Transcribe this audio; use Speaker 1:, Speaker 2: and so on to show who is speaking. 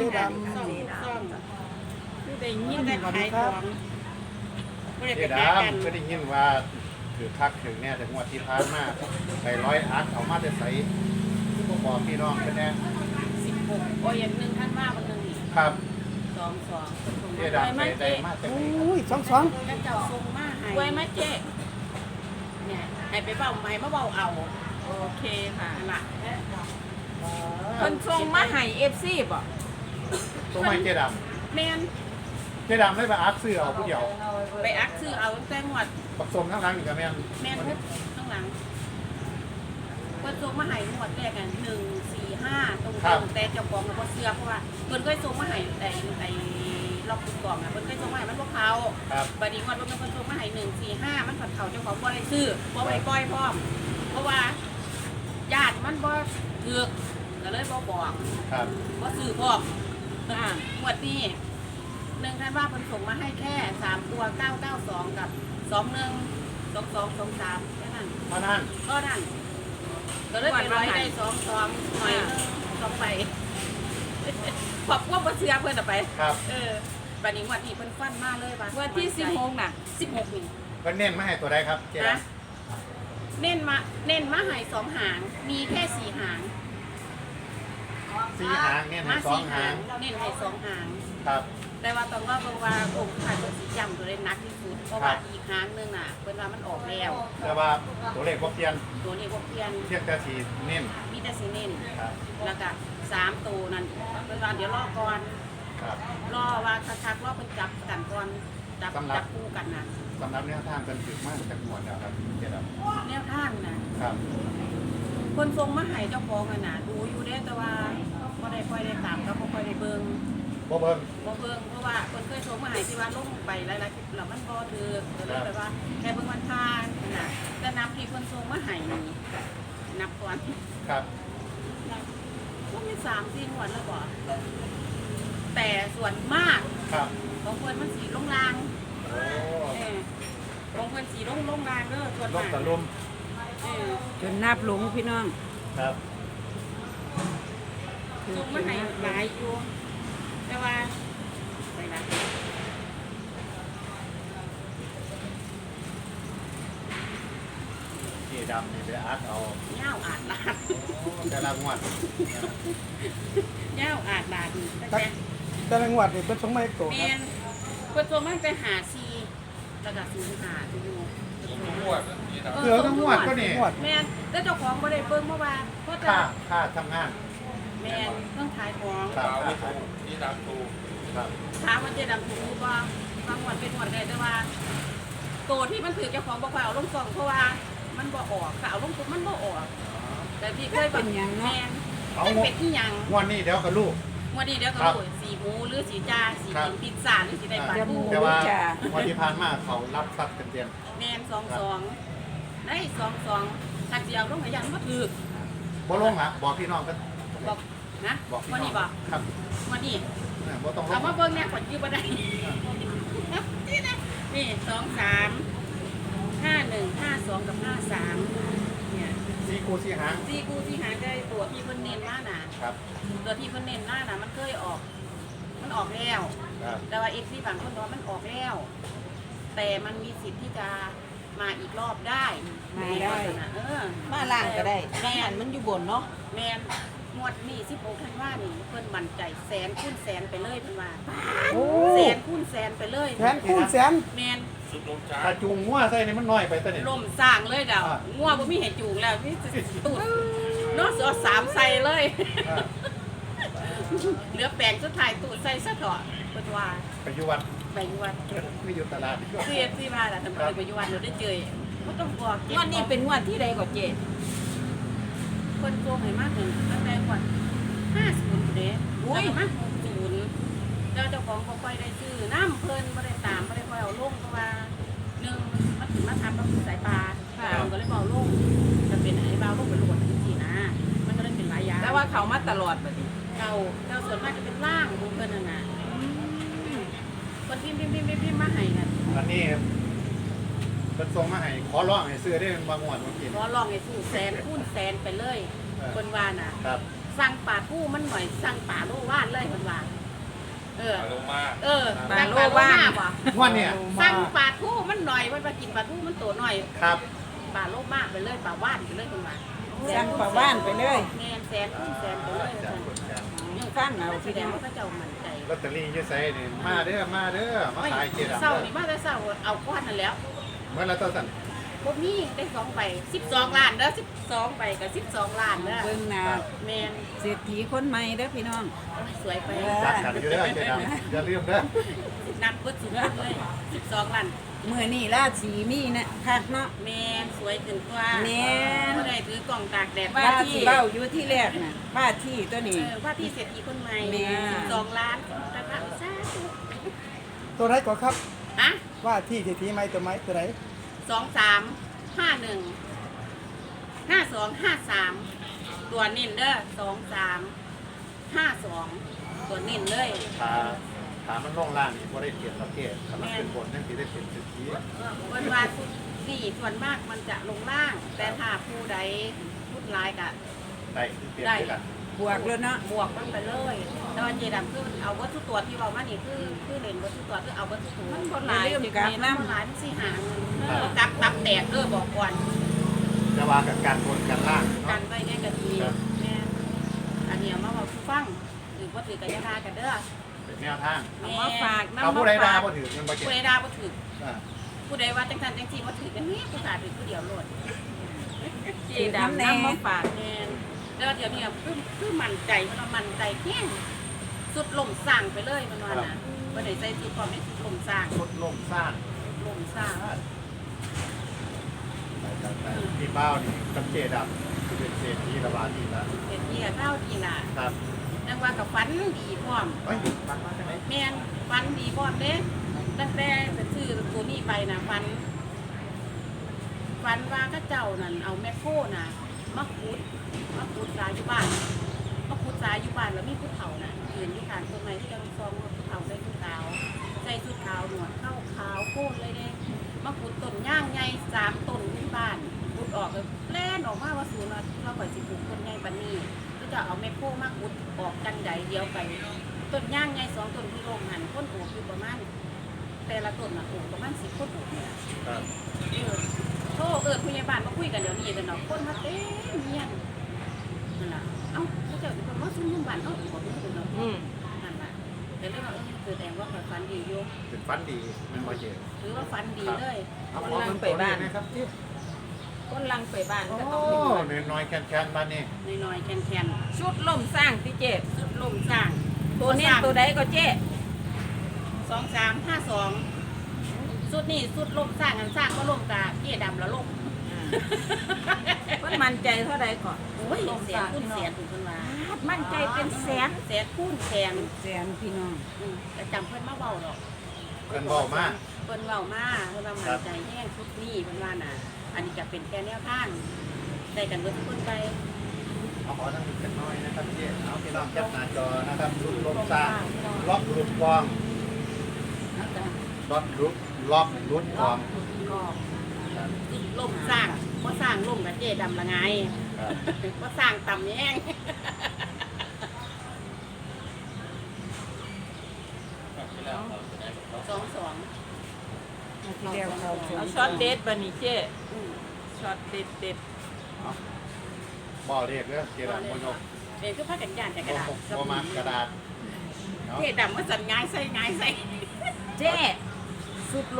Speaker 1: ดำ
Speaker 2: ซ่องผู้ใดยินได้ขายของผู้ใด
Speaker 3: เจ
Speaker 2: ไปหากัน
Speaker 3: ดำก็ได้ยินว่าถือคักถึงเนี่ยแต่งวดที่ผ่านมาไปร้อยอัดเอามาจะใส่ผู้บอกพี่น้องเป็นแน่
Speaker 2: 16โอ้ยอย่างนึงท่านว่ามันนึงนี่
Speaker 3: ครับ
Speaker 2: 22
Speaker 3: เจดำได้มาจากไหน
Speaker 1: อุ้ยสอง
Speaker 2: แล้วเจ้าส่งมาให้
Speaker 4: ไว้ไหมเจ๊
Speaker 2: เนี่ยให้ไปเบ้าใหม่มาเบ้าเอา
Speaker 4: โอเคค่ะ
Speaker 2: ล่ะ
Speaker 4: คนส่งมาให้FC บ่
Speaker 3: ตัวไม่เจด
Speaker 2: แม่น
Speaker 3: ำเจดำไม่ไปอัดซื้อเอาผู้เดียว
Speaker 2: ไปอักซื้อเอาตั้งแต่งวด
Speaker 3: ผสมทั้งหลังนี่กับแม่น
Speaker 2: แม่นเพิ่นข้างหลังเพิ่นส่งมาให้งวดแรกอ่ะ1 4 5ตรงๆแต่เจ้าของก็บ่เชื่อเพราะว่าเพิ่นเคยส่งมาให้ไอ้ล็อกตุ๊กกล่องอ่ะเพิ่นเคยส่งมาให้มันบ่เข้า
Speaker 3: ครับ
Speaker 2: บัดนี้งวดเพิ่นส่งมาให้1 4 5มันผัดเข้าเจ้าของบ่ได้ซื้อบ่ได้ปล่อยพร้อมเพราะว่าญาติมันบ่ถูกก็เลยบ่บอก
Speaker 3: ครับ
Speaker 2: บ่ซื้อพร้อมงวดนี้ท่านว่าเพิ่นส่งมาให้แค่3ตัว992กับ21 2223แค่นั้น
Speaker 3: เพราะนั้น
Speaker 2: ก็นั่นก็เลยไปร้อยได้2 หน่อย2ไปขอบว่าบ่เชื่อเพิ่นเอาไป
Speaker 3: ครับ
Speaker 2: บัดนี้งวดนี้เพิ่นฟันมาเลยว่า
Speaker 4: วันที่16น่ะ
Speaker 2: 16นี่
Speaker 3: ก็เน้นมาให้ตัวใดครับเจด
Speaker 2: นะเน้นมาให้2 หาง มีแค่4 หาง
Speaker 3: ำ4 หางเน้นให้2 หาง
Speaker 2: เน้นให้2 หาง
Speaker 3: ครับ
Speaker 2: แต่ว่าต้องว่าองค์ขายเพิ่นสิจำตัวได้หนักที่สุดเพราะว่าอีกหางนึงน่ะเพิ่นว่ามันออกแล้ว
Speaker 3: แต่ว่าตัวเลขบ่เปลี่ยน
Speaker 2: ตัวนี้บ่เปลี่ยน
Speaker 3: เทียบแต่สีเน้น
Speaker 2: มีแต่สิเน้น
Speaker 3: ครับ
Speaker 2: แล้วก็3ตัวนั่นเพิ่นว่าเดี๋ยวรอก่อน
Speaker 3: ครับ
Speaker 2: รอว่าคักๆรอเพิ่นจับกันก่อนจับคู่กันน่ะ
Speaker 3: สำหรับแนวทางกันถึกมากจากหมวดแล้วครับเจด
Speaker 2: แนวทางน่ะ
Speaker 3: ำครับ
Speaker 2: คนทรงมาให้เจ้าของกันน่ะดูอยู่เด้แต่ว่าบ่ได้ค่อยได้ตามก็บ่ค่อยได้เบิ่ง
Speaker 3: บ่เบิ่ง
Speaker 2: บ่เบิ่งเพราะว่าคนเคยทรงมาให้ที่ว่าลงไปหลายๆคลิปแล้วมันบ่ถือก็เลยแบบว่าแค่เบิ่งวันทานน่ะแต่นับที่คนทรงมาให้นี่นับก่อน
Speaker 3: ครับ
Speaker 2: ก็มี3-4งวดแล้วบ่แต่ส่วนมาก
Speaker 3: ครับ
Speaker 2: ของเพิ่นมันสีลงราง
Speaker 3: โอ้
Speaker 2: ของเพิ่นสีลงรางเด้อส่วน
Speaker 3: ล
Speaker 2: มาง ก
Speaker 3: ตะลุม
Speaker 4: จนนับหลงพี่น้อง
Speaker 3: ครับ
Speaker 2: ทรงมาให้หลายอยู่แต่ว่าไปละ
Speaker 3: เจดำนี่ไปอัดเอา
Speaker 2: เง่าอาดลาด
Speaker 3: แต่ละงวด
Speaker 2: เง่าอาดลาดตั้ง
Speaker 1: ตัก
Speaker 2: แต่
Speaker 1: แต่ละงวดนี่เป็นสองไม้โต
Speaker 2: เม
Speaker 1: ครับ
Speaker 2: นเปิดตัวมันไปหาซีระดับศูนย์หาตัวอยู่
Speaker 3: เสือทั้งงวดก็นี่
Speaker 1: งวด
Speaker 2: แมนแล้วเจ้าของบ่ได้เบิ่งเมื่อวานเพราะแต่
Speaker 3: ค่าทำงาน
Speaker 2: แมนเรื่องขายของ
Speaker 3: ครับครับ
Speaker 2: ถามว่าเจดำถูกบ่บางวันเป็นหวดได้แต่ว่าตัวที่มันถือเจ้าของบ่ค่อยเอาลงกล่องเพราะว่ามันบ่ออกถ้าเอาลงปุ๊บมันบ่ออก แต่พี่เคย
Speaker 4: เป็นหยังเนาะ
Speaker 2: แมนเป็นเป็ดที่ยัง
Speaker 3: งวดนี้เดี๋ยวกับลูก
Speaker 2: วันนี้เดี๋ยวก็รู้สีหมูหรือสีจ้าสี
Speaker 3: ครับ
Speaker 2: กินพิซซ่าหรือสีได้ปลา
Speaker 4: จะหมู
Speaker 2: ทู
Speaker 3: แต่ว่า
Speaker 4: จ้ะ
Speaker 3: วันที่ผ่านมาเขารับทรัพย์เต็ม
Speaker 2: แมน22ได้22ทักเดียวลงให้ยันบ่ถือ
Speaker 3: ๆบ่ลงอ่ะบอกพี่น้องกัน
Speaker 2: บอกนะ
Speaker 3: บอกพี่
Speaker 2: วัน
Speaker 3: น้อ
Speaker 2: นี้
Speaker 3: ง
Speaker 2: บอก
Speaker 3: ครับ
Speaker 2: วันนี้
Speaker 3: บ่ต้องล
Speaker 2: เอา
Speaker 3: ง
Speaker 2: มาเบิ่งเนี่ยขวัญยืมบ่ได้นี่นะนี่23 51 52กับ53เนี่ย
Speaker 3: สีกูสีหาง
Speaker 2: ที่กูที่หาได้ตัวที่เพิ่นเน้นมาน่ะ
Speaker 3: ครับ
Speaker 2: ตัวที่เพิ่นเน้นมาน่ะมันเคยออก มันออกแล้ว
Speaker 3: ครับ
Speaker 2: แต่ว่า FC บางคนบอกว่ามันออกแล้ว แต่มันมีสิทธิ์ที่จะมาอีกรอบได้
Speaker 4: มาได้
Speaker 2: นะ
Speaker 4: มาล่างก็ได้
Speaker 2: แม่น
Speaker 4: มันอยู่บนเนาะ
Speaker 2: แมนงวดนี้16ธันวานี่เพิ่นมั่นใจแสนคูณแสนไปเลยเพิ่นว่า
Speaker 1: โอ้
Speaker 2: แสนคูณแสนไปเลย
Speaker 1: แสนคูณแสน
Speaker 2: แมน
Speaker 3: ถ้าจูงงัวใส่นี่มันน้อยไปตัวนี้
Speaker 2: ล่มสร้างเลยดาว
Speaker 3: อ่า
Speaker 2: งัวบ่มีให้จูงแล้วมีตูดเนาะเอา3ใส่เลย
Speaker 3: อ่า
Speaker 2: เหลือแปลงสุดท้ายตูดใส่ซะเถอะเพิ่นว่า
Speaker 3: ไปอยู่วัด
Speaker 2: ไปอยู่วัด
Speaker 3: ไม่อยู่ตลาด
Speaker 2: เสียสิว่าล่ะทำไมไปอยู่วัดเราได้เจอบ่ต้องบอกเก็บ
Speaker 4: งวดนี้เป็นงวดที่ใดก็เจ๊
Speaker 2: คนโกงให้มากหนึ่งตั้งแต่ก่อน50เด้แล้วก็มา60แล้วเจ้าของบ่ค่อยได้ซื้อน้ำเพิ่นบ่ได้ตามบ่ได้ค่อยเอาลงเพราะว่าหนึ่งมันถึงมาทำกับสายปลาเราก็เลยเบาลงจะเป็นไอ้เบาลงเป็นโหลดจริงๆนะมันก็เลยเป็นหลายอย่าง
Speaker 4: แต่ว่าเขามาตลอดบัดนี้
Speaker 2: เก่าส่วนมากจะเป็นล่างของเพิ่นน่ะนะคนพิมพ์มาให้กัน
Speaker 3: อันนี้เป็นส่งมาให้ขอร้องให้ซื้อได้บางงวดบางที
Speaker 2: ขอลองให้สู้แสนคูณแสนไปเลยเพิ่นว่าน่ะ
Speaker 3: ครับ
Speaker 2: สั่งป่าทู่มันหน่อยสั่งป่าโลว่านเลยเพิ่นว่าเออ
Speaker 5: ลงมา
Speaker 2: เออ
Speaker 4: ปลาโล
Speaker 2: สั่ง
Speaker 4: ว่า
Speaker 2: บ่
Speaker 3: งวดเนี่ย
Speaker 2: สั่งปลาทูมันหน่อยมันมากินปลาทูมันตัวหน่อย
Speaker 3: ครับ
Speaker 2: ปลาโลมากไปเลยปลาว่านไปเลยคุณมา
Speaker 4: สั่งปลาว่านไปเลย
Speaker 2: แม่นแสนคูณแสนไปเลย
Speaker 3: จากคนจาก
Speaker 2: ยัง
Speaker 4: ฟังเอา
Speaker 2: แส
Speaker 4: พี่
Speaker 2: ด
Speaker 4: น้
Speaker 2: ง
Speaker 4: อง
Speaker 2: ว่าพระเจ้ามั่นใจ
Speaker 3: ลอตเตอรี่อยืดใส่นี่มาเด้อมาขายเจดำ
Speaker 2: เศร้า
Speaker 3: เด้อ
Speaker 2: นี่มาแต่เศร้าเอาก้อนนั่นแล้ว
Speaker 3: เมื่อไรตัวสั่น
Speaker 2: พวกนี้ได้2ใบ12 ล้านเด้อ12ใบกับ12 ล้านเด้อ
Speaker 4: เบิ่งหน้า
Speaker 2: แม่น
Speaker 4: เศรษฐีคนใหม่เด้อพี่น้อง
Speaker 2: โอ้ยสวยไป
Speaker 3: จัดกันอยู่เด้อเจดำอย่าลืมเด้อ
Speaker 2: นัดเบิดสุดเลย12 ล้าน
Speaker 4: มื้อนี้ราศีมีนะคักเนาะ
Speaker 2: แม่นสวยขึ้นกว่า
Speaker 4: แม่น
Speaker 2: บ่ได้ถือกล่องตากแดด
Speaker 4: ว่าที่เว้าอยู่ที่แรกน่ะว่าที่ตัวนี้
Speaker 2: ว่าที่เศรษฐีคนใหม่
Speaker 4: แม่
Speaker 2: 12 ล้านนะคะสาธุ
Speaker 1: ตัวไหนก่อนครับ
Speaker 2: ฮะ
Speaker 1: ว่าที่เศรษฐีไหมตัวไหมตัวไหน
Speaker 2: 23515253ตัวนิ่นเด้อ2352ตัวนิ่นเลย
Speaker 3: ถามมันลงล่างนี่บ่ได้เปลี่ยนประเภทถ้ามันเป็นบนนั่นสิได้เปลี่ยนสิทธิ
Speaker 2: วันวานนี่ส่วนมากมันจะลงล่าง แต่ถ้าผู้ใดพูดร้ายกะ
Speaker 3: ได้ที่เปลี่ยนด้วยกัน
Speaker 4: บวกแล้วเนาะ
Speaker 2: บวกมันไปเลยแต่ว่าเจดำคือเอาวัตถุตัวที่เรามานี่คือเล่นวัตถุตัวคือเอาวัตถุตัว
Speaker 4: มันบ่หลายสิกับ
Speaker 2: มัน
Speaker 4: น้ำ
Speaker 2: บ่หลายมันสิหาเงินกับตับแตกบอกก่อน
Speaker 3: จะว่ากับการบนกันล่าง
Speaker 2: กั
Speaker 3: เนาะ
Speaker 2: นไว้แค่กะทีแม่อันนี้เอามาบอกผู้ฟังหรือว่าถือกระยาดากันเด้อ
Speaker 3: เป็นแนวทาง
Speaker 4: เอามาฝากน้ำ
Speaker 3: เขาผู้ใด
Speaker 4: มา
Speaker 3: ด่า
Speaker 4: ฝาก
Speaker 3: บ่ถือเงินบ่เก็บ
Speaker 2: ผู้ใดดาบ่ถือ
Speaker 3: อ่า
Speaker 2: ผู้ใดว่าจังสันจังสีบ่ถือกันนี้ผู้ขาถือผู้เดียวโลด
Speaker 4: เจดำน้ำมาฝาก
Speaker 2: แม่นแล้วเดี๋ยวนี้คือมั่นใจมันว่ามั่นใจแห้งสุดลมสร้างไปเลยมันว่านะบ่ได้ใส่สุดความไม่สุดลมสร้าง
Speaker 3: สุดลมสร้าง
Speaker 2: ลมสร้าง
Speaker 3: ที่เป้านี่กับเจดำคือเป็นเศรษฐีระบาดนี่ละ
Speaker 2: เฮ็ดเหี้ยเท่าดีน่ะ
Speaker 3: ครับ
Speaker 2: นักว่ากับฟันดีพร้อม
Speaker 3: เฮ้ยมันมาจากไหน
Speaker 2: แม่นฟันดีพร้อมเด้ตั้งแต่จะซื้อตัวนี้ไปน่ะฟันว่าเขาเจ้านั่นเอาแมคโครน่ะมาขุดสายอยู่บ้านมาขุดสายอยู่บ้านแล้วมีผู้เฒ่าน่ะยืนอยู่ข้างต้นไม้ที่กำลังซองผู้เฒ่าใส่ชุดขาวใส่ชุดขาวหนวดเข้าขาวโค้นเลยเด้มาขุดต้นย่างใหญ่3ต้นที่บ้านขุดออกเลยแล่นออกมาว่าศูนย์เราก่อยสิปลูกต้นใหญ่ปานนี้ก็จะเอาแมคโครมาขุดออกกันใดเดียวไปต้นย่างใหญ่2ต้นที่โรงหันต้นโอบอยู่ประมาณแต่ละต้นน่ะโอบประมาณ10ต้นโอบเนี่ย
Speaker 3: ครับ
Speaker 2: โทษผู้ใหญ่บ้านมาคุยกันเดี๋ยวนี้แต่เนาะคนมาเต็มเมียนนั่นล่ะเอ้าเขาจะเป็นคนมาซุ่มบ้านเนาะบอกนี่เป็นเนาะนั่นล่ะแต่เรื่องว่าแสดงว่าเขาฝันดีอยู่
Speaker 3: เป็นฟันดีมันบ่เจ็บ
Speaker 2: ถือว่าฝันดีเลย
Speaker 3: เอาขอเงินไปบ้านนะครับที่
Speaker 4: คนลังไปบ้าน
Speaker 3: โอ้
Speaker 4: ก็ต้องมีเงิน
Speaker 3: น้อยๆแค้นๆบ้านนี่
Speaker 2: น้อยๆแคน
Speaker 4: ชุดล่มสร้างที่เจ
Speaker 2: ๆสุดลมสร้าง
Speaker 4: ตัวเนี้ยตัวใดก็เจ
Speaker 2: 2352สุดนี่สุดลมสร้างกันสร้างก็ลมกาเกี้ยดำแล้วลม
Speaker 4: เพิ่นมั่นใจเท่าใดก่อน
Speaker 2: โอ้ยแสนคูณแสนถึงคนว่า
Speaker 4: มั่นใจเป็นแสน
Speaker 2: แสนคูณแสน
Speaker 4: แสนพี่น้อง
Speaker 2: แต่จำเพิ่นมาเบาหรอก
Speaker 3: เพิ่นบอกมา
Speaker 2: เพิ่นเว้ามาเพิ่นว่ามันใจแห้งทุกนี้เพิ่นว่าน่ะ อันนี้จะเป็นแค่แนวทางได้กันเบิดทุกคนไป
Speaker 3: เอาขอทั้งนี้กันน้อยนะครับพี่เอาพี่น้องแคปหน้าจอนะครับลุกลมสร้างล็อกหลุดกองล็อกหลุดกอง
Speaker 2: ก็ล่มสร้างบ่สร้างล่มกับเจดำละไง
Speaker 3: ครับ
Speaker 2: บ่สร้างต่ำแห้ง 22
Speaker 4: ที่เรียกเขาเอาช็อตเด็ดบัดนี้เจช็อตเด็ดเด็ด
Speaker 3: บ่เรียกเด้อเจดำบ่ยก
Speaker 2: เด็กคือพากันย่านจากกระดาษ
Speaker 3: บ่มากระดาษ
Speaker 2: เจดำว่าสั่นง่ายใส่
Speaker 4: เจสุด